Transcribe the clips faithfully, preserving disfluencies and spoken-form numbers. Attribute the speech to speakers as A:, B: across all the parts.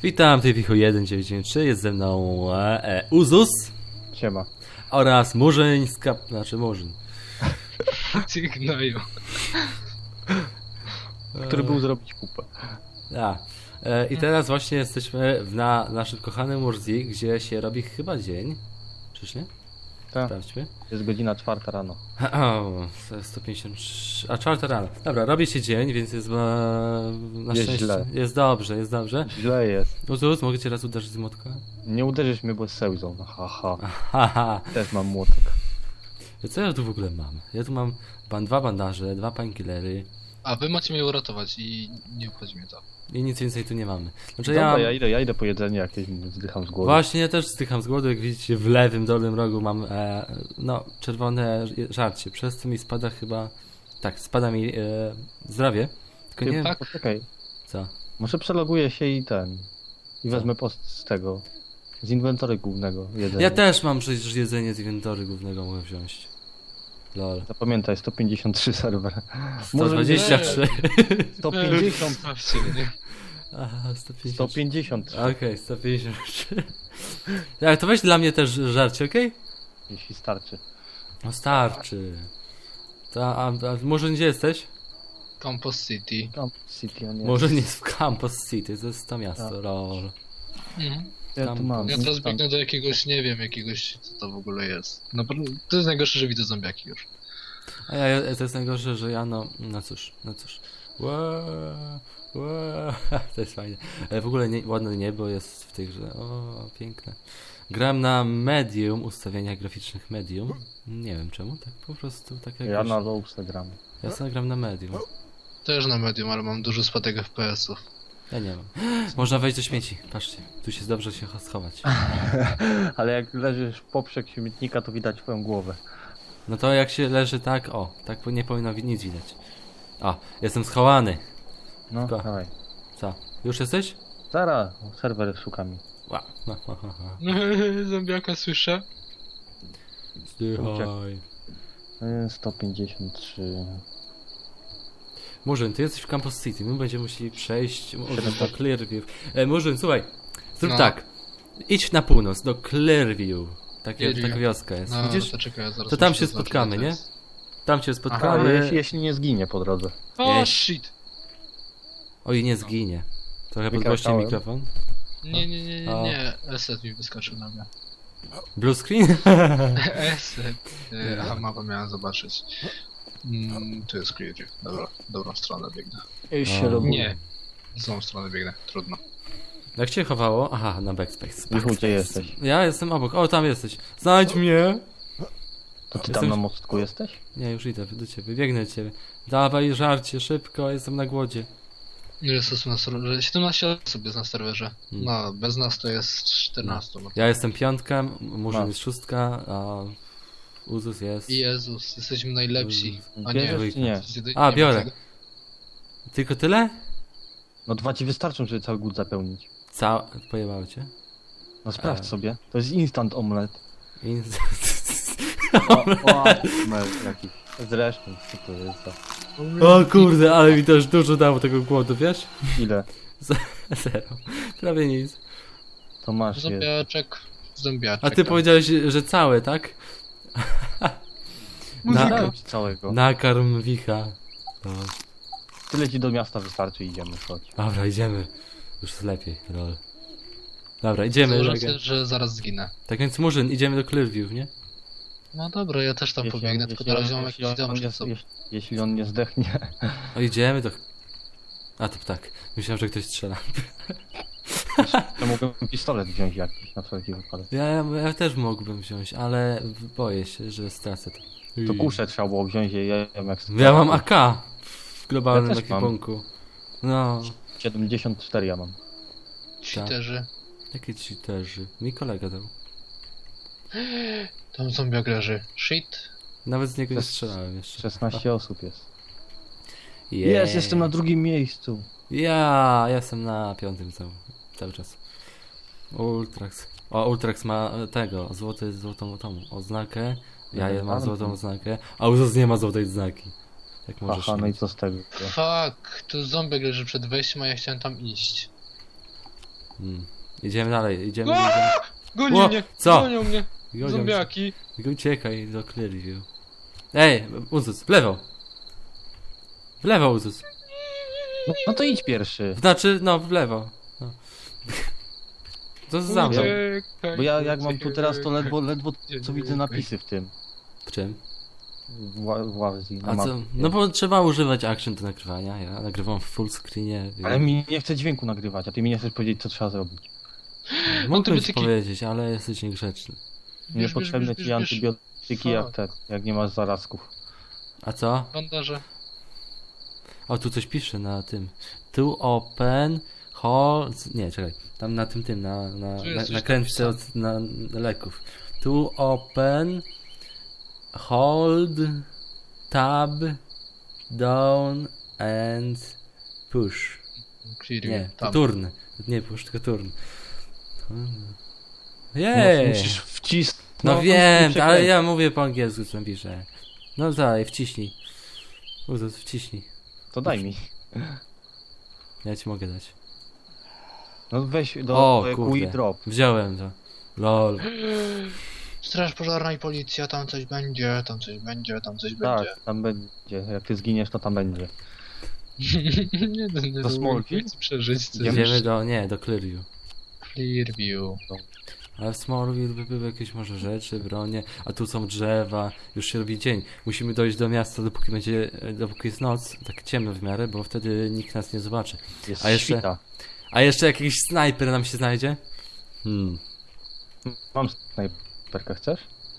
A: Witam, tutaj Wichu jeden dziewięć dziewięć trzy, jest ze mną e, Uzus.
B: Siema.
A: Oraz Murzyn z kap... znaczy Murzyn.
C: Ty gnoju.
B: Który był zrobić kupę.
A: A, e, I teraz właśnie jesteśmy w na naszym kochanym Murzi, gdzie się robi chyba dzień. Czyż nie?
B: Tak.
A: Sprawdźmy.
B: Jest godzina czwarta rano.
A: O, sto pięćdziesiąt trzy... A, czwarta rano. Dobra, robi się dzień, więc jest e, na
B: Jest
A: szczęście...
B: źle.
A: Jest dobrze, jest dobrze.
B: Źle jest.
A: Uzus, mogę cię raz uderzyć z młotka?
B: Nie uderzysz mnie, bo z sełzą. No, haha.
A: Haha.
B: Też mam młotek.
A: Co ja tu w ogóle mam? Ja tu mam ban dwa bandaże, dwa painkillery
C: A wy macie mnie uratować i nie obchodzi mnie to.
A: i nic więcej tu nie mamy. Znaczy
B: Dobra,
A: ja...
B: ja idę, ja idę po jedzenie jakieś, zdycham z głodu.
A: Właśnie ja też zdycham z głodu, jak widzicie w lewym dolnym rogu mam e, no czerwone żarcie, przez co mi spada chyba, tak, spada mi e, zdrowie, tylko
B: Ty,
A: nie wiem,
C: tak?
B: Poczekaj,
A: co.
B: może przeloguję się i ten. I
A: Co?
B: wezmę post z tego. Z inwentory głównego jedzenia.
A: Ja też mam przecież jedzenie z inwentory głównego, mogę wziąć. Lol.
B: Zapamiętaj, sto pięćdziesiąt trzy serwer.
A: sto dwadzieścia trzy.
B: sto pięćdziesiąt.
C: Zostawcie mnie.
A: Aha, sto pięćdziesiąt.
B: sto pięćdziesiąt.
A: Okej, sto pięćdziesiąt trzy. Tak, to weź dla mnie też żarcie, okej?
B: Jeśli starczy.
A: No starczy. To, a, a może gdzie jesteś?
C: Campus City.
B: Campus City, a nie.
A: Może nie jest w Campus City, to jest to miasto,
B: Tak.
A: lol.
C: Mhm.
B: Ja
A: tam-
B: tu mam.
C: Ja teraz
B: instant.
C: biegnę do jakiegoś, nie wiem, jakiegoś, co to w ogóle jest. No, to jest najgorsze, że widzę zombiaki już.
A: A ja, ja, to jest najgorsze, że ja no, no cóż, no cóż. Ła, ła, to jest fajne. E, W ogóle nie, ładne niebo jest w tej grze, o, piękne. Gram na medium, ustawieniach graficznych medium. Nie wiem czemu, tak po prostu, tak jak
B: Ja na lowce gram.
A: ja sobie gram na medium.
C: Też na medium, ale mam dużo spadek F P S ów.
A: Ja nie mam. Można wejść do śmieci, patrzcie, tu się dobrze się schować.
B: Ale jak leżysz poprzek śmietnika, to widać twoją głowę.
A: No to jak się leży tak, o, tak nie powinno wi- nic widać. O, jestem schowany.
B: No,
A: Ko-
B: dawaj.
A: Co, już jesteś?
B: Zara, serwer szukami.
A: Ła, ha, ha, ha, ha.
C: Zombiaka słyszę.
A: Zdychaj.
B: Y, sto pięćdziesiąt trzy.
A: Murzyn, ty jesteś w Campus City, my będziemy musieli przejść może do
B: siedemnaście.
A: Clearview. E, Murzyn, słuchaj, zrób
C: No.
A: tak. Idź na północ, do Clearview. Takie,
C: Clearview.
A: taka wioska jest,
C: No,
A: widzisz?
C: to czekaj, ja zaraz
A: To tam
C: muszę
A: się
C: zaznaczyć,
A: spotkamy,
C: co to
A: nie?
C: jest.
A: Tam cię
B: Ale
A: spotkamy.
B: jeśli, jeśli nie zginie po drodze.
C: O,
A: Nie.
C: shit!
A: Oj, nie zginie. Trochę podgłośnie
B: Wykrakałem.
A: mikrofon.
C: Nie, nie, nie, nie,
A: O.
C: nie. Eset mi wyskoczył na mnie.
A: Blue screen?
C: Eset. E, Aha, mapę miałem zobaczyć. Mm, tu jest Clearview. Dobra, dobrą stronę biegnę.
B: Już
A: się
B: się
A: robi.
C: Nie. W złą stronę biegnę, trudno.
A: Jak cię chowało? Aha, na backspace.
B: Michu, gdzie jesteś?
A: Ja jestem obok. O, tam jesteś. Znajdź mnie!
B: To ty
A: Jestem-
B: tam na mostku jesteś?
A: Nie, już idę do ciebie, biegnę do ciebie. Dawaj żarcie, szybko, jestem na głodzie.
C: Ile jest osób na serwerze? siedemnaście osób jest na serwerze.
A: Hmm.
C: No, bez nas to jest czternaście. No.
A: Ja jestem piątka, M- Murzyn
B: No.
A: jest szóstka, a Uzus jest...
C: Jezus, jesteśmy najlepsi. A nie,
B: Bierzesz czy nie?
A: A,
C: nie
A: biorę.
C: ma tego.
A: Tylko tyle?
B: No dwa ci wystarczą, żeby cały głód zapełnić.
A: Cała... Pojebało cię?
B: No sprawdź
A: E.
B: sobie. To jest instant omlet.
A: In...
B: O, o, omlet jakiś. Zresztą, co to jest za...
A: O kurde, ale mi też dużo dało tego głodu, wiesz?
B: Ile?
A: Zero. Prawie nic.
B: To masz jest.
C: Zombiaczek, zombiaczek.
A: A ty
C: tam.
A: powiedziałeś, że całe, tak?
B: Muzyka.
A: Na-
B: Dałem ci całego.
A: Nakarm wicha. No.
B: Tyle ci do miasta wystarczy, idziemy, chodź.
A: Dobra, idziemy. Już jest lepiej, lol. Dobra, idziemy.
C: Założę
A: tak,
C: się, że zaraz zginę.
A: tak więc Murzyn, idziemy do Clearview, nie?
C: No dobra, ja też tam
B: Jeśli on-
C: pobiegnę, tylko
B: jeśli
C: na
B: on-
C: razie mam
B: jeśli
C: jakiś
B: on
C: dom
B: nie-
C: przed sobą.
B: jeśli- Jeśli on nie zdechnie.
A: O, idziemy do... A, to tak. Myślałem, że ktoś strzela.
B: To mogłem pistolet wziąć jakiś na wszelki wypadek.
A: Ja, ja też mógłbym wziąć, ale boję się, że stracę to.
B: To kuszę trzeba było wziąć, ja ja wiem jak...
A: Ja mam A K w globalnym
B: Ja też mam.
A: ekwipunku. No,
B: siedemdziesiąt cztery ja mam.
C: Cheaterzy.
A: jakie ci też. Mi kolega dał.
C: Tam zombiak leży. Shit.
A: Nawet z niego nie
B: Szes-
A: strzelałem jeszcze.
B: szesnaście osób jest.
A: Yeah.
B: Jest, jestem na drugim miejscu.
A: Ja jestem na piątym cały, cały czas. Ultrax. O, Ultrax ma e, tego, złoty, złotą tą oznakę. Ja
B: Nie,
A: mam
B: ale-
A: złotą oznakę, a Uzus nie ma złotej znaki. Jak możesz
B: Aha, no i
A: mieć.
B: co z tego?
C: Fuck, tu zombiak leży przed wejściem, a ja chciałem tam iść.
A: Hmm. Idziemy dalej, idziemy,
C: Aaa!
A: idziemy.
C: Goni
A: O,
C: mnie!
A: co?
C: Gonią mnie!
A: Gonią cię.
C: Zombiaki!
A: Uciekaj do Clearview. Ej, Uzus, w lewo. W lewo, Uzus.
B: No, no to idź pierwszy.
A: Znaczy, no, w lewo. No. To za mną.
C: Uciekaj,
B: Bo ja jak mam tu teraz to
C: uciekaj.
B: ledwo, ledwo co widzę napisy w tym.
A: W czym?
B: W, ła- w ławzi, na
A: A co?
B: mapie.
A: No bo trzeba używać action do nagrywania. Ja nagrywam w full screenie.
B: Ale mi nie chce dźwięku nagrywać, a ty mi nie chcesz powiedzieć co trzeba zrobić.
A: Mógłbym ci
C: Antybiotiki.
A: powiedzieć, ale jesteś niegrzeczny.
B: Niepotrzebne
C: bierz,
B: ci
C: bierz, bierz.
B: antybiotyki jak
C: Fuck.
B: te, jak nie masz zarazków.
A: A co?
C: Bandaże.
A: O, tu coś pisze na tym. To open hold... Nie, czekaj. Tam na tym, tym, na, na,
C: Tu jest
A: na,
C: coś
A: na kręczce od na, na leków. To open hold tab down and push.
C: Clear
A: Nie, to
C: tam.
A: turn. Nie push, tylko turn.
B: No,
A: Jej!
B: musisz wcisnąć.
A: No wiem, ale ja mówię po angielsku, co piszę. No dalej, wciśnij. Uzus, wciśnij.
B: To daj mi.
A: Ja ci mogę dać.
B: No weź do
A: O,
B: do
A: kurde.
B: Q I drop.
A: Wziąłem to. Lol.
C: Straż pożarna i policja, tam coś będzie, tam coś będzie, tam coś
B: Tak,
C: będzie.
B: tam będzie. Jak ty zginiesz, to tam będzie.
C: nie, nie, nie,
B: To Smallville?
C: chcę przeżyć. Coś.
A: Idziemy do, nie, do Clearview.
C: Clearview.
A: Ale w Smallville by były jakieś może rzeczy, bronie, a tu są drzewa, już się robi dzień. Musimy dojść do miasta, dopóki będzie, dopóki jest noc, tak ciemno w miarę, bo wtedy nikt nas nie zobaczy.
B: Jest
A: A jeszcze-
B: świta.
A: A jeszcze jakiś snajper nam się znajdzie? Hmm.
B: Mam snajperkę, chcesz?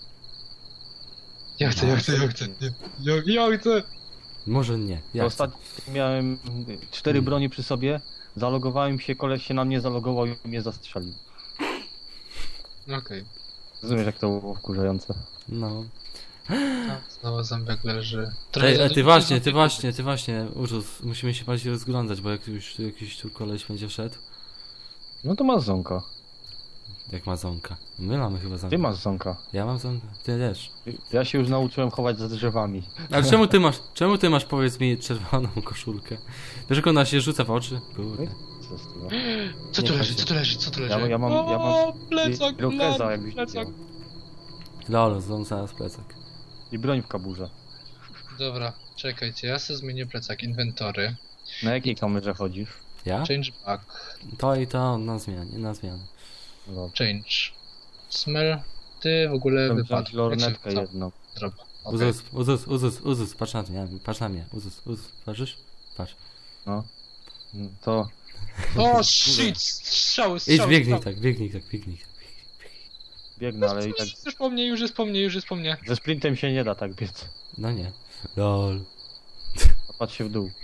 C: Ja chcę, ja chcę, ja chcę. Ja, ja chcę.
A: Może nie. Ja chcę.
B: Ostatnio miałem cztery broni przy sobie, zalogowałem się, koleś się na mnie zalogował i mnie zastrzelił.
C: Okej.
B: Rozumiesz jak to było wkurzające?
A: No.
C: Okay. Znowu zębek leży.
A: Ej,
C: za
A: a ty
C: dużo
A: właśnie, ty
C: zombiaków.
A: właśnie, ty właśnie, Urzus, musimy się bardziej rozglądać, bo jak już tu jakiś tu koleś będzie szedł,
B: No to masz zonka.
A: jak ma zonka. My mamy chyba zonka.
B: Ty masz zonka.
A: Ja mam zonkę, ty też.
B: Ja się już nauczyłem chować za drzewami.
A: Ale czemu ty masz, czemu ty masz, powiedz mi, czerwoną koszulkę? Wiesz, jak ona się rzuca w oczy? Kurde.
B: Co z tego?
C: Co tu
A: Nie
C: leży,
A: chodzi.
C: co tu leży, co tu leży?
B: Ja, ja mam, ja
C: O,
B: mam
C: plecak,
B: Irokeza,
C: lol,
B: jakbyś
C: plecak.
B: chciał.
A: Lol, zon zaraz plecak.
B: I broń w kaburze.
C: Dobra, czekajcie, ja sobie zmienię plecak, inwentory,
B: Na jakiej kamerze chodzisz?
A: Ja?
C: change back,
A: To i to na zmianie, na zmianę.
B: No.
C: change, smell, ty w ogóle
B: Chciałem
C: wypadł.
B: wziąć lornetkę
C: Co?
B: jedną.
C: Zrobię. Okay.
A: Uzus, Uzus, Uzus, Uzus, patrz na mnie, patrz na mnie, Uzus, Uzus, patrzysz? Patrz.
B: No. To
C: O shit, strzały,
A: Idź,
C: strzały,
A: biegnij
C: strzały.
A: tak, biegnij tak, biegnij tak.
B: biegnę, ale i tak
C: Już po mnie, już jest po mnie, już jest po mnie.
B: ze sprintem się nie da tak biec.
A: No nie. Lol.
B: Patrz się w dół.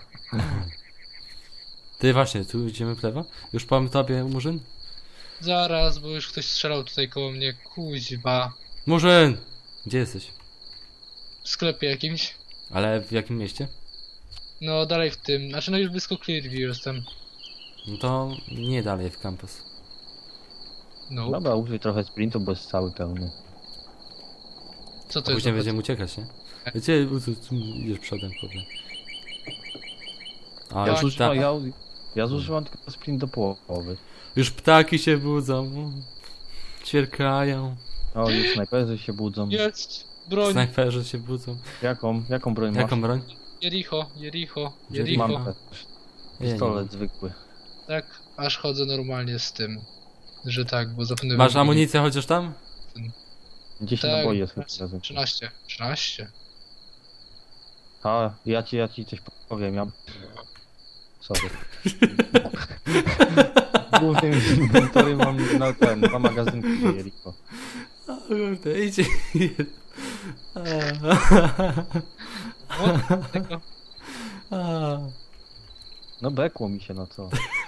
A: Ty właśnie, tu idziemy w lewo? Już powiem tobie, Murzyn?
C: Zaraz, bo już ktoś strzelał tutaj koło mnie, kuźba.
A: Murzyn! Gdzie jesteś?
C: W sklepie jakimś.
A: Ale w jakim mieście?
C: No dalej w tym, znaczy no już blisko Clearview jestem.
A: No to nie dalej w campus.
C: No,
B: Dobra, użyj trochę sprintu, bo jest cały pełny.
C: co
A: A
C: to jest?
A: później
C: za-
A: będziemy uciekać, nie? Gdzie Uzus, tu idziesz przodem, kurde. A,
B: Ja,
A: już,
B: zużywam,
A: pta...
B: ja, ja zużywam tylko sprint do połowy.
A: już ptaki się budzą. Ćwierkają.
B: O, już snajperzy się budzą.
C: Jest! Broń!
A: Snajperzy się budzą.
B: Jaką, jaką broń
A: Jaką
B: masz?
A: broń?
C: Jericho, Jericho,
A: Jericho.
C: Jericho.
B: Mam też.
A: Ja nie
B: Pistolet
A: mam.
B: zwykły.
C: Tak, aż chodzę normalnie z tym. Że tak, bo zapewne...
A: Masz amunicję chociaż tam?
B: dziesięć
C: Tak,
B: naboi jest chyba razem.
C: trzynaście. trzynaście.
B: A, ja ci, ja ci coś powiem, ja... Sorry. W głównym inwentory mam na ten, dwa magazynki Jericho.
A: O kurde, idzie.
C: O, tego.
A: A.
B: No bekło mi się, no co?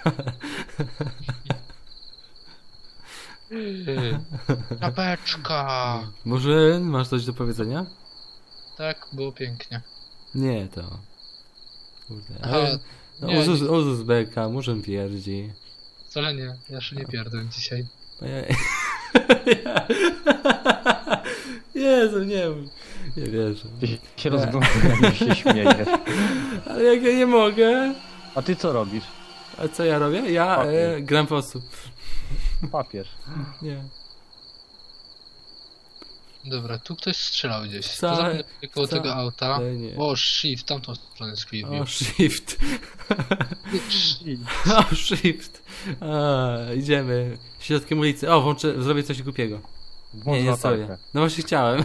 C: Czapeczka!
A: Murzyn, masz coś do powiedzenia?
C: Tak, było pięknie.
A: Nie, to. Kurde.
C: Aha,
A: Ale, no,
C: nie,
A: Uzus, Uzus beka, Murzyn pierdzi.
C: Wcale nie, ja się nie pierdolę dzisiaj.
A: Ojej. Jezu, nie mów. Nie wierzę.
B: Ty się- się rozglądasz, jak się śmiejesz.
A: Ale jak ja nie mogę?
B: A ty co robisz?
A: A co ja robię? Ja
B: Papier.
A: e, gram po prostu.
B: Papież.
A: Nie.
C: Dobra, tu ktoś strzelał gdzieś.
A: Wcale-
C: To zapomnę koło
A: wcale
C: tego auta.
A: nie.
C: O, shift, tamtą stronę Squid
A: O,
C: View.
A: shift. O, shift. A, idziemy. Środkiem ulicy. O, włączę, zrobię coś głupiego. Nie,
B: Włącz
A: nie zrobię.
B: latarkę.
A: No właśnie chciałem.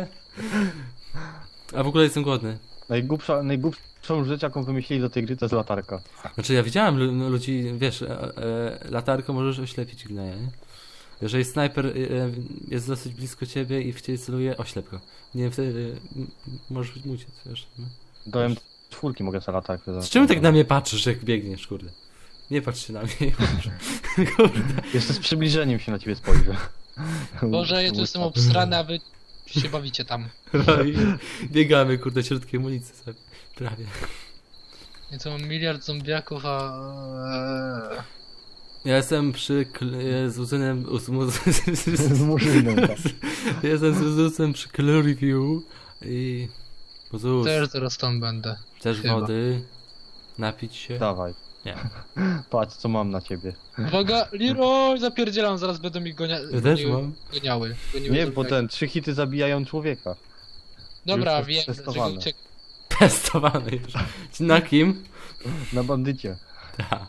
A: A w ogóle jestem głodny.
B: Najgłupsza, najgłupszą rzecz, jaką wymyślili do tej gry, to jest latarka.
A: Znaczy ja widziałem lu- no, ludzi, wiesz, e, e, latarką możesz oślepić gnoja, nie? Jeżeli snajper e, jest dosyć blisko ciebie i w ciebie celuje, oślep go. Nie, wtedy e, m- możesz być uciec, wiesz. No.
B: Do M cztery mogę sobie latarkę
A: Z czemu tak na mnie patrzysz, jak biegniesz, kurde? Nie patrz się na mnie. Kurde.
B: Jeszcze z przybliżeniem się na ciebie spojrzę.
C: Boże, ja tu jestem obsrany, a wy się bawicie tam.
A: No i biegamy, kurde, środkiem ulicy sobie. Prawie.
C: Ja tu mam miliard zombiaków, a... eee,
A: Ja jestem przy kl- e, z uzynem... uz- mu-
B: Z murzynem, tak.
A: Jestem z uzusem przy Clear View i... Uzus,
C: Też zaraz tam będę.
A: też
C: chyba.
A: wody. Napić się.
B: Dawaj.
A: Nie.
B: Patrz, co mam na ciebie.
C: Uwaga, Leroy, zapierdzielam, zaraz będą mi gonia...
A: Ja też
C: goniły-
A: mam.
C: Goniały. goniły
B: Nie, bo
C: zombiaki.
B: ten, trzy hity zabijają człowieka.
C: Dobra,
B: już
C: wiem,
B: jest
C: dlaczego
B: testowane.
C: uciek...
A: Testowany już. Na kim?
B: Na bandycie.
A: Ta.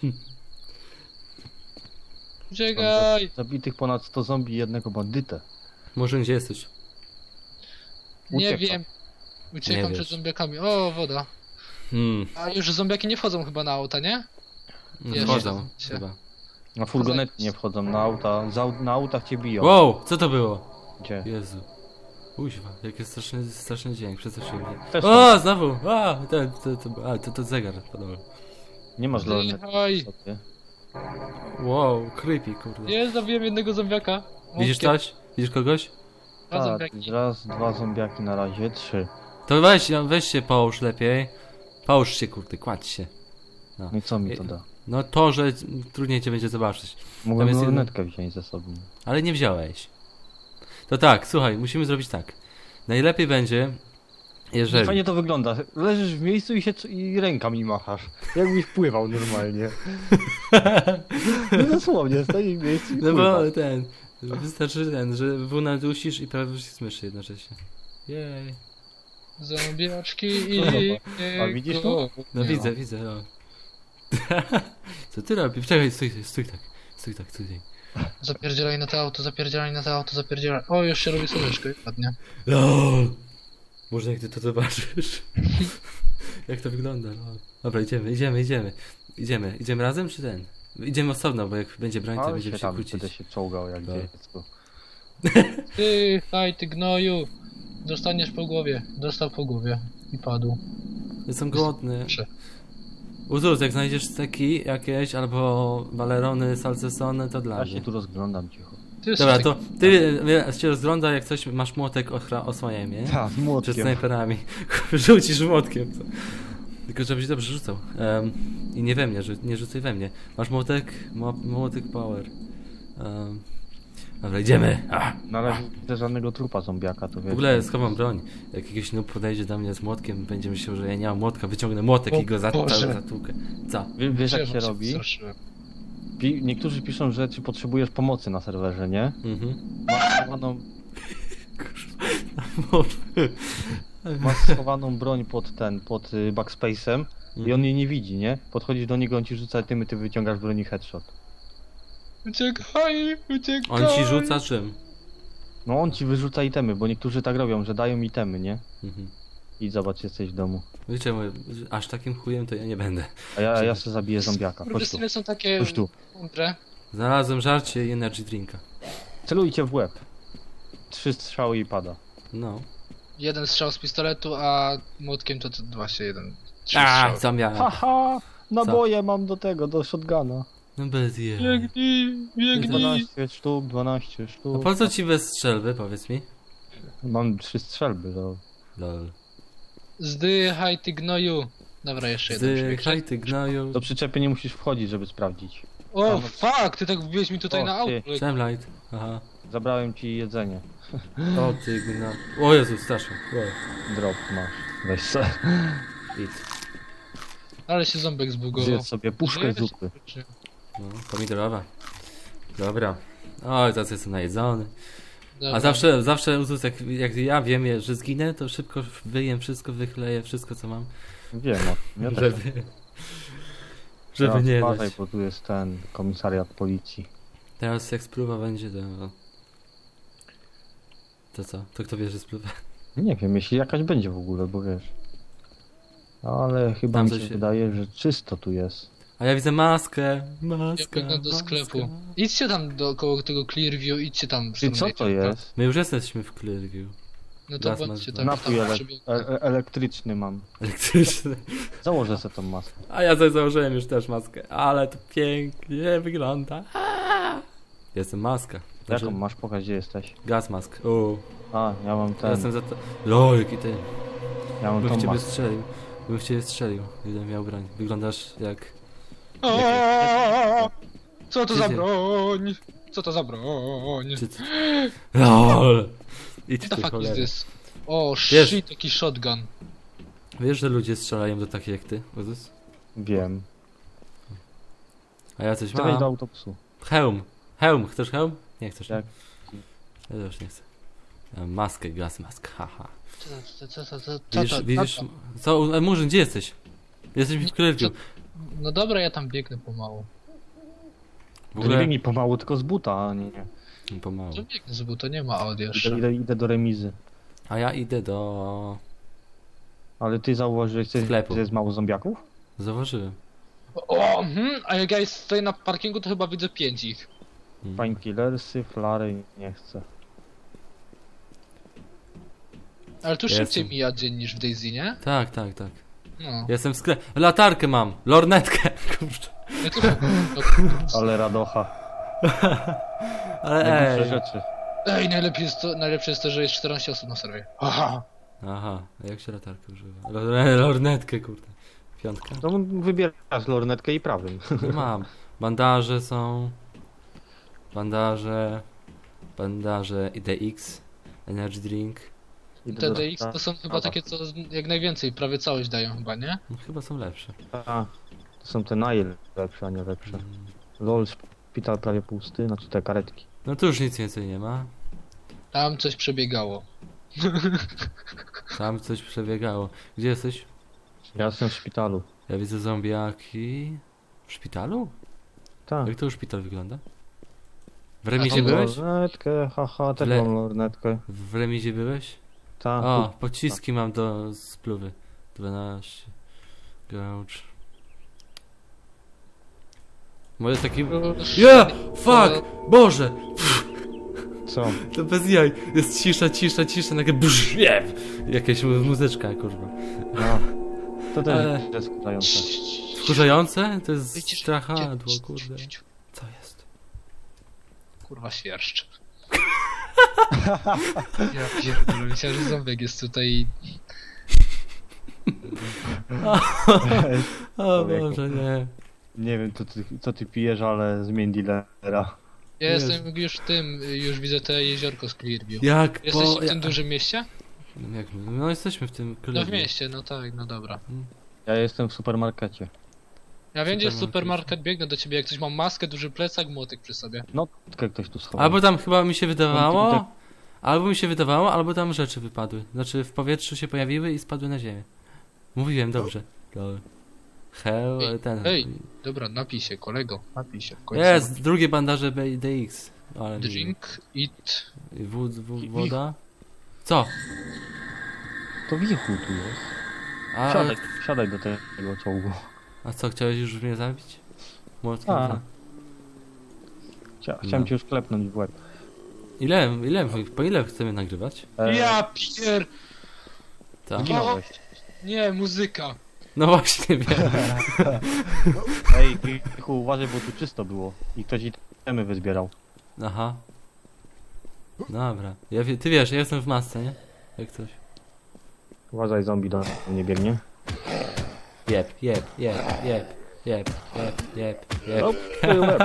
C: Uciekaj!
B: Zabitych ponad sto zombie i jednego bandytę.
A: Może gdzie jesteś?
C: Nie
B: Ucieka.
C: wiem. Uciekam
A: Nie
C: przed
A: wiesz.
C: zombiakami. O, woda.
A: Hmm.
C: A już zombiaki nie wchodzą chyba na auta, nie? Jeszcze.
A: Wchodzą
C: Się.
A: chyba.
B: Na furgonety nie wchodzą, na auta. Za, na autach cię biją.
A: Wow, co to było?
B: Gdzie?
A: Jezu. Uźwa, jaki straszny, straszny dźwięk, przestraszyłem mnie.
B: Też
A: O, znowu! A, to, to, to, a, to, to zegar podobno.
B: Nie masz lornetu
C: Oj,
B: sobie.
A: Wow, creepy, kurde.
C: nie, zabiłem jednego zombiaka.
A: Widzisz
C: Młotkiem.
A: coś? Widzisz kogoś?
C: Dwa
B: Tak,
C: zombiaki.
B: raz, dwa zombiaki na razie, trzy.
A: To weź, weź się połóż lepiej. Połóż się, kurde, kładź się.
B: No i co mi to da?
A: No to, że trudniej cię będzie zobaczyć.
B: Mogłem
A: jest jedno-
B: lornetkę wziąć ze sobą.
A: Ale nie wziąłeś. To tak, słuchaj, musimy zrobić tak. Najlepiej będzie, jeżeli...
B: Fajnie to wygląda. Leżysz w miejscu i się i rękami machasz. Jakbyś pływał normalnie. No dosłownie, stoi w miejscu i
A: No
B: pływa.
A: bo ten... Wystarczy ten, że W nadusisz i prawie z myszy jednocześnie. Jej.
C: Zombiaczki i...
B: A widzisz to?
A: No
C: Nie
A: widzę,
C: ma.
A: widzę, no. Co ty robisz? Czekaj, stój, stój tak. Stój tak, stój tak.
C: Zapierdzielaj na to auto, zapierdzielaj na to auto, zapierdzielaj. O, już się robi słoneczko, ładnie.
A: LOL! Może jak ty to zobaczysz. Jak to wygląda, lol. Dobra, idziemy, idziemy, idziemy. Idziemy, idziemy razem czy ten? Idziemy osobno, bo jak będzie broń, to
B: Ale
A: będziemy
B: się
A: się
B: tam
A: kłócić.
B: będę się czołgał jak
A: Tak.
B: dziecko.
C: Ty, haj, ty gnoju. Dostaniesz po głowie. Dostał po głowie. I padł.
A: Jestem głodny.
C: Proszę.
A: Uzus, jak znajdziesz steki jakieś, albo balerony, salcesony, to dla
B: Ja
A: mnie.
B: się tu rozglądam cicho.
C: Ty
A: Dobra,
C: jesteś
A: to ty wie, się rozgląda, jak coś, masz młotek, ochra, osłaniaj mnie.
B: Tak,
A: Przed
B: młotkiem.
A: snajperami. Rzucisz młotkiem. Co? Tylko żebyś dobrze rzucał. Um, I nie we mnie, że nie rzucaj we mnie. Masz młotek? Mo młotek power. Um, dobra, idziemy. Ah.
B: Na razie nie widzę żadnego trupa zombiaka, to wiesz.
A: W ogóle schowam broń. Jak jakiś noob podejdzie do mnie z młotkiem, będzie myślał, że ja nie mam młotka, wyciągnę młotek
C: O
A: i go za
C: Boże.
A: zatłukę. Co?
B: Wie- Wiesz jak
C: Ja
B: się
C: was
B: robi?
C: przestraszyłem.
B: Pi niektórzy piszą, że czy potrzebujesz pomocy na serwerze, nie?
A: Mhm.
B: Masz schowaną,
A: Mob.
B: masz schowaną broń pod ten, pod y, backspace'em i
A: Mhm.
B: on jej nie widzi, nie? Podchodzisz do niego, on ci rzuca tymy, ty wyciągasz broń i headshot.
C: Uciekaj, uciekaj.
A: On ci rzuca czym?
B: No on ci wyrzuca itemy, bo niektórzy tak robią, że dają itemy, nie?
A: Mhm.
B: I zobacz, jesteś w domu.
A: Wiecie, mówię, aż takim chujem to ja nie będę.
B: A ja, a ja sobie zabiję zombiaka. Chodź tu,
C: Kurwysyny są takie
B: chodź tu.
C: mądre.
A: Znalazłem żarcie i energy drinka.
B: Celujcie w łeb. Trzy strzały i pada.
A: No.
C: Jeden strzał z pistoletu, a młotkiem to, to właśnie jeden. Trzy
A: A,
C: strzały.
A: co miałem?
B: Haha! Naboje mam do tego, do shotguna.
A: No bez je.
C: Biegnij, biegnij.
B: dwanaście sztuk, dwanaście
A: A
B: sztuk.
A: po co ci bez strzelby, powiedz mi?
B: Mam trzy strzelby, to...
A: Lol.
C: Zdychaj, ty gnoju. Dobra, jeszcze jeden. przebieg.
A: Zdychaj ty gnoju.
B: Do przyczepy nie musisz wchodzić, żeby sprawdzić.
C: O, fuck, ty tak wbiłeś mi tutaj
B: O,
C: na
B: ty.
C: auto.
A: Shemlight. Aha.
B: Zabrałem ci jedzenie.
A: O ty gno... O Jezu, strasznie. Wow.
B: Drop masz. Weź se.
A: Idź.
C: Ale się ząbek zbugował.
B: Zjedz sobie puszkę
C: Żyjesz?
B: zupy.
A: No, pomidorowa. Dobra. Oj, teraz jestem najedzony.
C: Dobra.
A: A zawsze, zawsze Uzus, jak, jak ja wiem, że zginę, to szybko wyjem wszystko, wychleję wszystko, co mam.
B: Wiem, no. Ja też.
A: Żeby, żeby
B: Teraz
A: nie
B: uważaj,
A: dać.
B: bo tu jest ten komisariat policji.
A: Teraz jak spluwa będzie, to... To co? To kto wie, że spluwa?
B: Nie wiem, jeśli jakaś będzie w ogóle, bo wiesz. Ale chyba
A: Tam
B: mi
A: coś
B: się
A: się-
B: wydaje, że czysto tu jest.
A: A ja widzę maskę.
C: Ja
A: Maskę.
C: biegnę do
A: maska.
C: sklepu. Idźcie tam dookoło tego Clearview, idźcie tam.
B: Czy co to jest?
A: My już jesteśmy w Clearview.
C: No to
A: Gaz
C: bądźcie
A: mask.
C: tam.
B: Napój
C: tam
B: ele
C: przebiegnę.
B: e e elektryczny mam.
A: Elektryczny.
B: Założę sobie tą maskę.
A: A ja sobie założyłem już też maskę. Ale to pięknie wygląda. Aaa! Jestem maska. Znaczy,
B: Jaką masz? Pokaż, gdzie jesteś.
A: Gaz mask. O,
B: A, ja mam
A: ja
B: ten.
A: jestem za to. Lol, jaki ty.
B: Ja mam
A: Bym w
B: tą
A: ciebie
B: maskę.
A: strzelił. Bym w ciebie strzelił. Gdybym miał broń. Wyglądasz jak...
C: Aaaa! Co to za
A: Gdzie-
C: broń? Co to za broń?
A: Czy ty... Lol. Idź
C: What the
A: ty
C: fuck is
A: cholera.
C: this? O,
A: Wiesz-
C: shit, taki shotgun.
A: Wiesz, że ludzie strzelają do takich jak ty, Uzus?
B: Wiem.
A: A ja coś
B: Chcę wejść do
A: mam.
B: autobusu.
A: Hełm. Hełm. Chcesz hełm? Nie chcesz.
B: Jak?
A: Ja też nie chcę. Ja mam maskę, gaz mask. Haha.
C: Co to, co to, co to, co
A: Widzisz,
C: to, co
A: widzisz...
C: to?
A: Co? E, Murzyn, gdzie jesteś? Jesteśmy w Clearview.
C: No dobra, ja tam biegnę pomału.
A: W
B: Nie
A: ogóle...
B: biegnij pomału, tylko z buta, a nie. nie.
A: Pomału.
C: To biegnę, bo to nie ma audio
B: Idę,
C: jeszcze.
B: idę, idę do remizy.
A: A ja idę do...
B: Ale ty zauważyłeś, że
A: Sklepu.
B: jest mało zombiaków?
A: Zauważyłem.
C: O, hmm, a jak ja stoję na parkingu, to chyba widzę pięć ich.
A: Mm.
B: Painkillersy, flary, nie chcę.
C: Ale tu
A: Jestem.
C: szybciej mija dzień niż w Daisy, nie?
A: Tak, tak, tak.
C: No.
A: Jestem w sklepie. Latarkę mam. Lornetkę. Kurczę.
C: Ja tu...
B: Ale radocha.
A: Ale
B: Najgorsze
A: ej.
B: rzeczy.
C: Ej, najlepiej jest to, najlepsze jest to, że jest czternaście osób na serwie. Aha.
A: Aha. A jak się latarkę używa? Lor- Lornetkę, kurde. Piątka?
B: To wybierasz lornetkę i prawym.
A: No mam. Bandaże są. Bandaże. Bandaże I D X. Energy drink.
B: Idę
C: Te
B: do-
C: D X to są chyba takie, co z- jak najwięcej, prawie całość dają chyba, nie?
A: No, chyba są lepsze.
B: A, to są te najlepsze, a nie lepsze.
A: Mm.
B: Lol, szpital prawie pusty, znaczy te karetki.
A: No tu już nic więcej nie ma.
C: Tam coś przebiegało.
A: Tam coś przebiegało. Gdzie jesteś?
B: Ja jestem w szpitalu.
A: Ja widzę zombiaki. W szpitalu?
B: Tak.
A: Jak to szpital wygląda? W remizie
C: tam
A: byłeś?
B: Lornetkę, haha, też
A: Le-
B: mam lornetkę.
A: W remizie byłeś?
B: Tak.
A: O, pociski mam do spluwy. dwanaście. Gouch. Może taki... Ja! Fuck! Boże!
B: Co?
A: To bez jaj. Jest cisza, cisza, cisza, nagle brz, jeb! Jakaś mu- muzyczka, kurwa.
B: No. To też
A: Ale-
B: jest skurzające.
A: Wkurzające? To jest
C: Wycisz-
A: strachadło,
C: ciu-
A: kurde.
C: ciu- ciu-
A: Co jest?
C: Kurwa świerszcz. Ja pierdolę, myślałem, że ząbek jest tutaj i...
A: O
B: Człowieku.
A: Boże, nie.
B: Nie wiem, co ty, co ty pijesz, ale zmień dealera.
C: Ja
A: Jezu.
C: jestem już w tym, już widzę te jeziorko z Clearview.
A: Jak
C: Jesteś
A: po...
C: w tym
A: ja-
C: dużym mieście?
A: Jak, no jesteśmy w tym
C: No w
A: klubie.
C: mieście, no tak, no dobra.
B: Ja jestem w supermarkecie.
C: Ja wiem, gdzie jest
A: Supermarket.
C: supermarket, biegnę do ciebie, jak ktoś ma maskę, duży plecak, młotek przy sobie.
B: Notkę ktoś tu schował.
A: Albo tam chyba mi się
B: tak-
A: wydawało, albo mi się wydawało, albo tam rzeczy wypadły. Znaczy w powietrzu się pojawiły i spadły na ziemię. Mówiłem dobrze. Dobra. Hell,
C: Ej,
A: ten.
C: ej. Dobra, napij się, kolego, napij się. w końcu.
A: Jest, drugie bandaże B D X. Ale
C: Drink, eat.
A: I wód, wód, woda. Co?
B: To wichu tu jest.
A: A,
B: Siadaj, siadaj do tego czołgu.
A: a co, chciałeś już mnie zabić? Młotkiem?
B: A.
A: za-
B: Chcia, chciałem
A: No.
B: cię już klepnąć w łeb.
A: Ile, ile, po ile chcemy nagrywać?
B: E,
C: Ja pier...
A: Tak.
B: Zginąłeś.
C: Nie, muzyka.
A: No właśnie, wiem.
B: Ej, wichu, uważaj, bo tu czysto było. I ktoś itemy wyzbierał.
A: Aha. Dobra. Ja, wie- ty wiesz, ja jestem w masce, nie? Jak coś.
B: Uważaj, zombie do mnie biegnie.
A: Jeb, jeb, jeb, jeb, jeb, jeb, jeb, jeb.
B: O, twój łeb.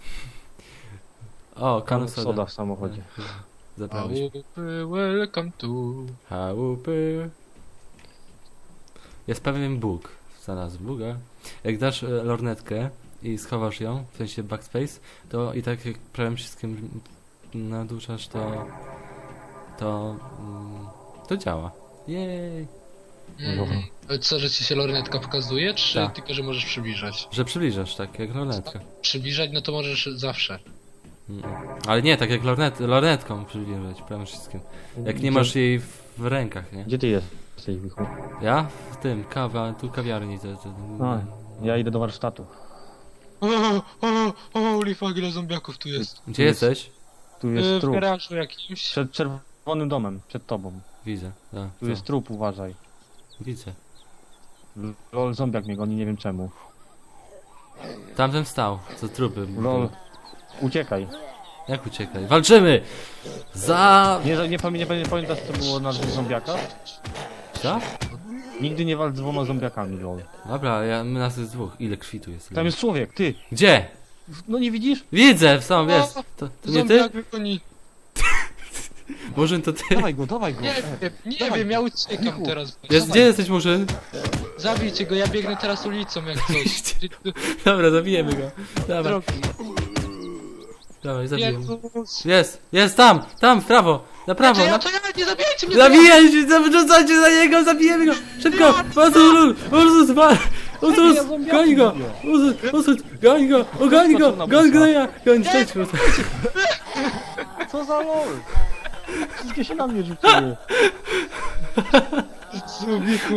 A: O,
B: Kan
A: kanu
B: soda
A: soda.
B: w samochodzie.
A: Zabrałeś.
C: Chałupy, welcome to...
A: Chałupy. Jest pewien Bóg. Znalazł Boga. Jak dasz e, lornetkę i schowasz ją, w sensie backspace, to i tak jak prawym przyciskiem naduszasz, to to mm, to działa. Jej.
C: Mm. Ale co, że ci się lornetka pokazuje, czy
A: Tak.
C: tylko, że możesz przybliżać?
A: Że przybliżasz, tak, jak lornetka.
C: Przybliżać, no to możesz zawsze.
A: Mm. Ale nie, tak jak lornet, lornetką przybliżać prawym przyciskiem. Jak nie
B: Gdzie-
A: masz jej w, w rękach, nie?
B: Gdzie ty jesteś, Wichu?
A: Ja? W tym, kawa, tu kawiarni. To, to,
B: A, ja idę do warsztatu.
C: O, o, o, holy fuck, ile zombiaków tu jest.
A: Gdzie
B: jest-
A: jesteś?
B: Tu
C: E,
B: jest
C: w
B: trup.
C: garażu jakimś.
B: Przed czerwonym domem, przed tobą.
A: Widzę. A,
B: Tu
A: co?
B: jest trup, uważaj.
A: Widzę.
B: Lol, zombiak mnie goni, nie wiem czemu.
A: Tamten wstał, co trupy.
B: Lol, uciekaj.
A: Jak uciekaj? Walczymy! Za...
B: Nie, nie, pamię, nie, pamię- nie pamiętasz co było na dwóch zombiakach?
A: Co?
B: Nigdy nie walcz z dwoma zombiakami, lol.
A: Dobra, ja, my nas jest dwóch. Ile krwi tu jest?
B: Tam jest człowiek, ty!
A: Gdzie?
B: No nie widzisz?
A: Widzę, sam wiesz. To, to nie ty?
C: Zombiak wykoni.
A: Murzyn to ty?
B: Dawaj go, dawaj go!
C: Nie
B: E,
C: wiem, nie
B: Dawaj.
C: wiem, ja uciekam
B: Michu.
C: teraz.
A: Jest, gdzie jesteś Murzyn?
C: Zabijcie go, ja biegnę teraz ulicą jak coś.
A: Dobra, zabijemy go. Dawaj,
C: Drogi.
A: dawaj, zabijemy.
C: Jezus.
A: Jest, jest tam, tam, w prawo, na prawo,
C: Znaczy,
A: na...
C: ja, to ja, nie zabijajcie mnie!
A: Zabijaj się, wyrzucajcie za niego, zabijemy go! Szybko! Ursus, Ursus, wal! Ursus,
B: ja zombiaki
A: goń go!
B: lubię.
A: Ursus, Ursus, goń go! O, goń go!
B: Skoczył na
A: Goń go,
B: busa.
A: ja! Goń, cześć, Ursus.
B: Co za lol? Wszystkie się na mnie rzuciły.
C: Zubiku,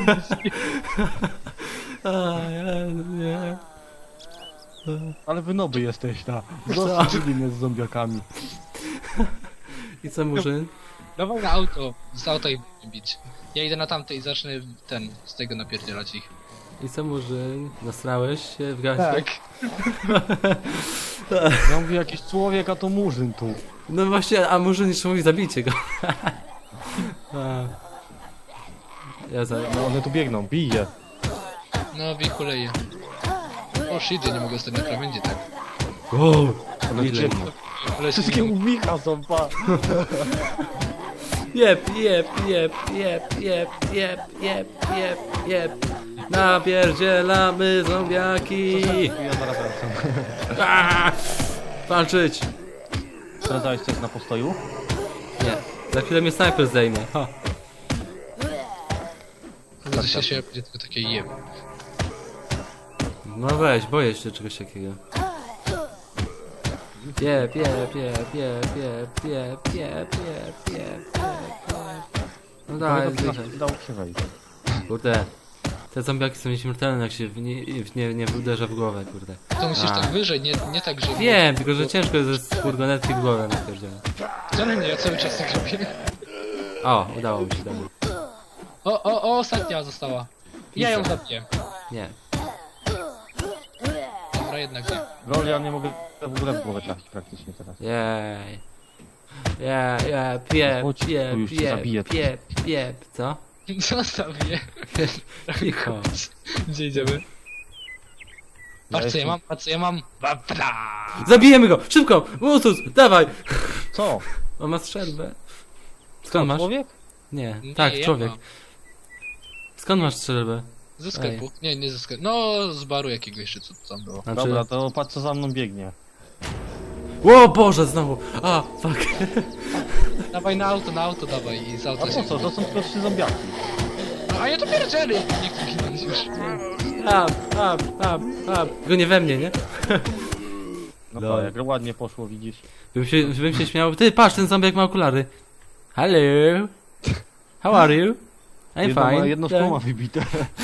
A: A, ja, nie.
B: Ale wy noby jesteś, ta. Zostawili mnie z zombiakami.
A: I co, Murzyn?
C: Dawaj na auto, z auta ich bić. Ja idę na tamte i zacznę ten, z tego napierdzielać ich.
A: I co, Murzyn? Nasrałeś się w gacie?
B: Ja mówię, jakiś człowiek, a to murzyn tu.
A: No właśnie, a Murzyn jeszcze mówi, zabijcie go. A. Ja za...
B: No one tu biegną, bije.
C: No, wichuleje. O shit, ja nie mogę stać na krawędzi tak.
A: Wow!
B: One
A: ile?
B: biegną.
C: Ale się
B: Wszystkie
C: nie...
B: u Micha są, pa.
A: Jep, jep, jep, jep, jep, jep, jep, jep, jep. Napierdzielamy zombiaki.
B: Ja zaraz wracam.
A: Aaa! Walczyć!
B: Sprawdzałeś coś na postoju?
A: Nie. Za chwilę mnie snajper zdejmie. Ha.
C: To się się będzie tylko takie jeb.
A: No weź, boję się czegoś takiego. Jep, jep, jep, jep, jep, jep, jep, jep, jep, jep. No daj, zdychaj.
B: Dało się wejść.
A: Kurde. Te zombiaki są nieśmiertelne, jak się w nie, w nie, nie uderza w głowę, kurde.
C: To musisz
A: A.
C: tak wyżej, nie, nie tak, że...
A: Wiem, tylko że ciężko jest ze furgonetki w głowę napierdzielać.
C: Wcale nie, ja cały czas tak robię.
A: O, udało mi się, dobra.
C: O, o, o, ostatnia została. Ja ją zabiję.
A: Nie.
C: Dobra, jednak nie.
B: Lol, ja nie mogę w ogóle w głowę trafić praktycznie teraz.
A: Jej. Jej, jej, piep,
B: Chodź, tu
A: piep,
B: już cię
A: piep,
B: zabiję.
A: piep, piep, co?
C: Zostaw mnie.
A: Cicho.
C: Gdzie idziemy? Patrz co ja mam, patrz co ja mam. Babla!
A: Zabijemy go! Szybko! Ursus, dawaj!
B: Co?
A: On ma strzelbę. Skąd masz?
B: Człowiek?
A: Nie,
C: Nie,
A: tak,
C: ja
A: człowiek.
C: mam.
A: Skąd masz strzelbę?
C: Ze sklepu. Nie, nie ze sklepu. No, z baru jakiegoś, czy co to tam było.
A: Znaczy...
B: Dobra, to patrz co za mną biegnie.
A: O Boże, znowu! A, fuck.
C: Dawaj na auto, na auto dawaj i z
B: A
C: auta
B: po
C: się...
B: co? To są tylko trzy zombiaki.
C: A ja to pierdzielę! Nie chcę ginąć już.
A: Up, up, up, up. Tylko nie we mnie, nie?
B: No
A: Dobra.
B: tak, jak ładnie poszło, widzisz.
A: Bym się, bym się śmiał. Ty, patrz, ten zombiak ma okulary. Hello. How are you? I'm
B: jedno,
A: fine.
B: ma, jedno szkło ma wybite.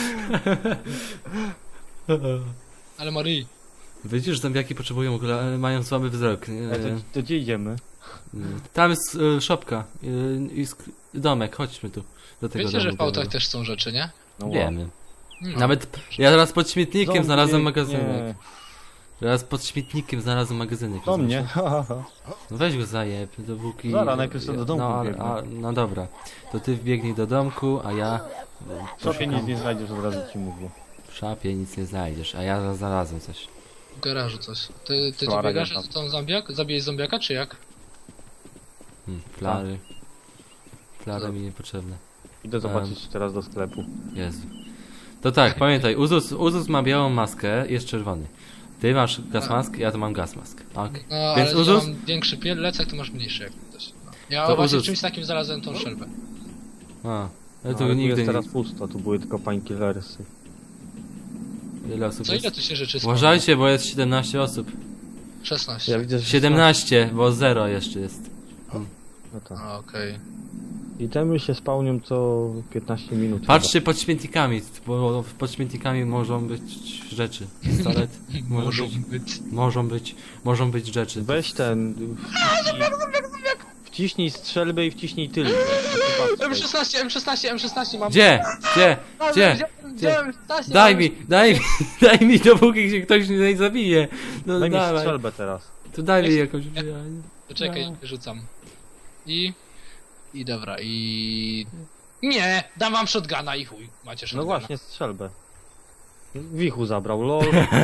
C: Ale Marii.
A: Widzisz, zombiaki potrzebują okulary, mają słaby wzrok. nie?
B: A to, to gdzie idziemy?
A: Tam jest y, szopka y, i sk- domek, chodźmy tu. Do tego
C: Wiecie, że
A: domu
C: w autach
A: białego.
C: też są rzeczy, nie?
B: No
A: Wiemy.
C: Hmm.
A: Nawet ja teraz pod śmietnikiem
B: Zombie
A: znalazłem
B: biegnie.
A: magazynek. Teraz pod śmietnikiem znalazłem magazynek.
B: Do
A: rozumiesz?
B: mnie.
A: No weź go zajeb, dopóki...
B: Zaraz, najpierw sobie do domku
A: no, ale-
B: biegnę.
A: a, no dobra, to ty wbiegnij do domku, a ja...
B: W szopie nic
A: poszukam-
B: nie znajdziesz, od razu ci mówię.
A: W szafie nic nie znajdziesz, a ja znalazłem coś.
C: W garażu coś. Ty, ty tu
B: Flara
C: biegasz,
B: nie
C: że to zombiak? Zabijesz zombiaka, czy jak?
A: Hmm, flary. Flary mi niepotrzebne.
B: Idę zobaczyć teraz do sklepu.
A: Jezu. To tak, pamiętaj, Uzus, Uzus ma białą maskę, jest czerwony. Ty masz gaz mask, ja to mam gaz mask. Okay.
C: No,
A: Więc
C: ale
A: Uzus?
C: ja mam większy plecak, to masz mniejszy jak coś. No. Ja
A: To
C: właśnie
A: Uzus.
C: w czymś takim znalazłem tą szelbę.
A: A, ale
B: No,
A: tu
B: ale tu
A: nigdy
B: jest
A: nie...
B: teraz pusto, tu były tylko painkillersy.
A: Ile osób
C: Co
A: jest?
C: ile tu się rzeczy
A: Uważajcie, bo jest siedemnaście osób.
C: szesnaście.
B: Ja widzę, że
A: siedemnaście, bo zero jeszcze jest.
B: No tak.
C: A, okej.
B: Itemy się spełnią co piętnaście minut.
A: Patrzcie pod śmietnikami, bo pod śmietnikami mogą być rzeczy. Pistolet. Może
C: Muszą
A: być,
C: być.
A: Możą być, możą być rzeczy.
B: chyba. Weź ten... Wciśnij, wciśnij strzelbę i wciśnij tylnie.
C: M szesnaście, M szesnaście, M szesnaście mam.
A: Gdzie? Gdzie?
C: No,
A: Gdzie?
C: wziąłem-
A: Gdzie?
C: wziąłem M szesnaście,
A: Daj
C: mam-
A: mi, daj mi, daj mi dopóki się ktoś nie zabije. No
B: Daj mi
A: dawaj.
B: strzelbę teraz.
A: To daj mi
C: Jak-
A: jakąś...
C: Poczekaj,
A: No.
C: rzucam. I... I dobra, i... Nie! Dam wam shotguna i chuj. Macie
B: No
C: shotguna.
B: właśnie, strzelbę. Wichu zabrał, lol.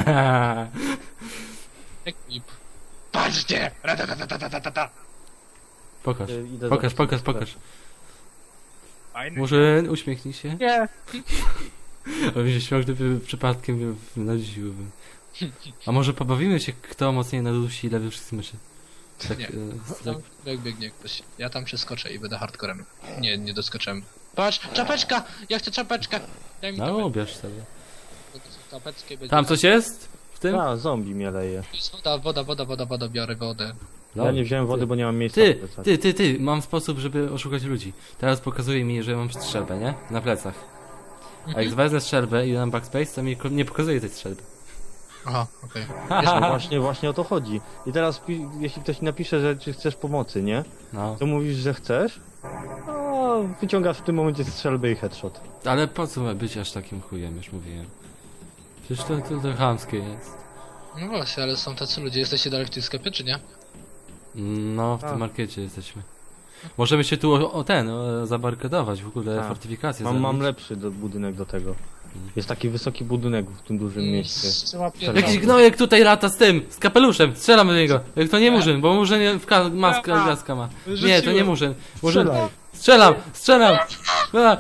C: Ekip. Patrzcie! Ratatatatata.
A: Pokaż,
B: Y, idę
A: pokaż,
B: zobaczyć
A: pokaż,
B: strzelbę.
A: pokaż.
C: Fajny.
A: Murzyn, uśmiechnij się.
C: Nie!
A: A mi się śmiał, gdyby przypadkiem nadusiłbym. A może pobawimy się, kto mocniej nadusi lewy wszystkich myszy? Tak,
C: Nie.
A: e, tak.
C: Tam jak biegnie ktoś. Ja tam przeskoczę i będę hardcorem. Nie, nie doskoczyłem. Patrz! Czapeczka! Ja chcę czapeczkę! Daj mi
A: No,
C: czapeczkę.
A: ubierz sobie.
C: Czapeczkę będzie...
A: Tam coś jest? W tym?
B: A, zombie mnie leje.
C: To jest woda, woda, woda, woda, woda, biorę wodę.
A: No.
B: Ja nie wziąłem wody, bo nie mam miejsca.
A: Ty,
B: w plecach.
A: ty, ty, ty, mam sposób, żeby oszukać ludzi. Teraz pokazuje mi, że mam strzelbę, nie? Na plecach. A jak wezmę strzelbę i dam backspace, to mi ko- nie pokazuje tej strzelby.
C: Aha, okej.
B: No właśnie, właśnie o to chodzi. I teraz, pi- jeśli ktoś napisze, że czy chcesz pomocy, nie?
A: No.
B: To mówisz, że chcesz? No, wyciągasz w tym momencie strzelbę i headshot.
A: Ale po co ma być aż takim chujem, już mówiłem. Przecież to, to, to chamskie jest.
C: No właśnie, ale są tacy ludzie. Jesteście dalej w tym sklepie, czy nie?
A: No, w
B: A.
A: tym markecie jesteśmy. Możemy się tu o, o ten, o, zabarkadować, w ogóle
B: A.
A: fortyfikację
B: Mam, mam
A: zrobić.
B: lepszy do, budynek do tego. Jest taki wysoki budynek w tym dużym
C: Mm,
B: mieście.
C: Trzeba
A: Jakiś gnojek tutaj lata z tym, z kapeluszem, strzelam do niego. Jak to nie murzyn, bo murzyn w ka- maskę
C: A.
A: gaska ma. Nie, to nie murzyn. Murzyn.
B: Strzelaj.
A: Strzelam, strzelam! A.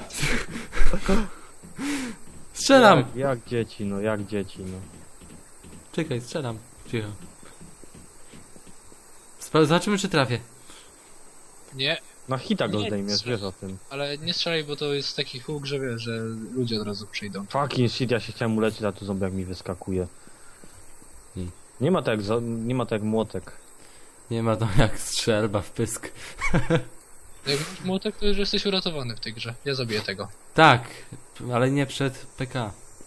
A: Strzelam!
B: Jak, jak dzieci, no, jak dzieci, no.
A: Czekaj, strzelam. Cicho. Sp- zobaczymy, czy trafię.
C: Nie,
B: Na hita go
C: Nie,
B: zdejmiesz,
C: strzelaj.
B: wiesz o tym.
C: ale nie strzelaj, bo to jest taki huk, że wiesz, że ludzie od razu przyjdą.
B: Fucking shit, ja się chciałem uleczyć, a tu zombiak mi wyskakuje.
A: Hmm.
B: Nie ma tak jak, zo- nie ma tak jak młotek.
A: Nie ma to jak strzelba w pysk.
C: Jak masz młotek, to już jesteś uratowany w tej grze. Ja zabiję tego.
A: Tak, ale nie przed P K.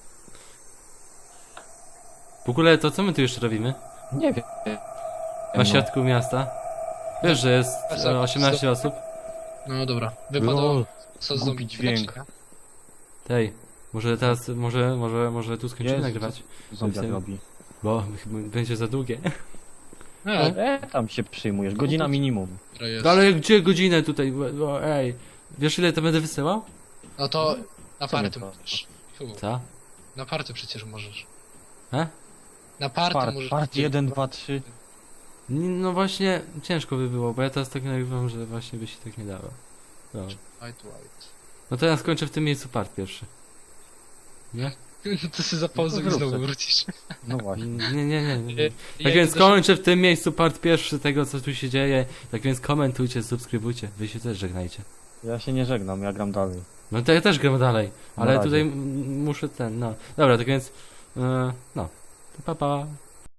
A: W ogóle to co my tu jeszcze robimy?
B: Nie wiem.
A: Na
B: No.
A: środku miasta? Wiesz, że jest e, osiemnaście osób?
C: No dobra, wypadało
B: Lol,
C: co z
B: głupi
C: zombie
B: dźwięk.
C: czekać,
A: Tej, może teraz, może, może, może tu skończymy
B: Jezu,
A: nagrywać?
B: zombiak
A: Tym-
B: robi.
A: Bo chyba będzie za długie.
C: nie?
B: E, tam się przyjmujesz, godzina minimum.
C: No, jest.
A: No ale gdzie godzinę tutaj? O, ej. Wiesz ile to będę wysyłał?
C: No to na
B: Co mnie
C: party
B: to?
C: możesz. Fu,
A: Co?
C: na party przecież możesz.
A: He?
C: Na party
B: Part,
C: możesz.
B: part jeden, dwa, trzy.
A: N- No właśnie, ciężko by było, bo ja teraz tak nagrywam, że właśnie by się tak nie dało. No,
C: White, white.
A: no to ja skończę w tym miejscu part pierwszy. Nie?
C: To się zapauzuj
B: No
C: i
B: to
C: znowu
B: zrób se.
C: wrócisz.
B: No właśnie.
A: Nie, nie, nie. nie, nie.
C: Ja
A: Tak więc
C: idę do-
A: kończę w tym miejscu part pierwszy tego, co tu się dzieje. Tak więc komentujcie, subskrybujcie. Wy się też żegnajcie.
B: Ja się nie żegnam, ja gram dalej.
A: No to ja też gram dalej,
B: Na
A: ale
B: razie.
A: tutaj m- muszę ten, no. Dobra, tak więc, yy, no. To pa pa.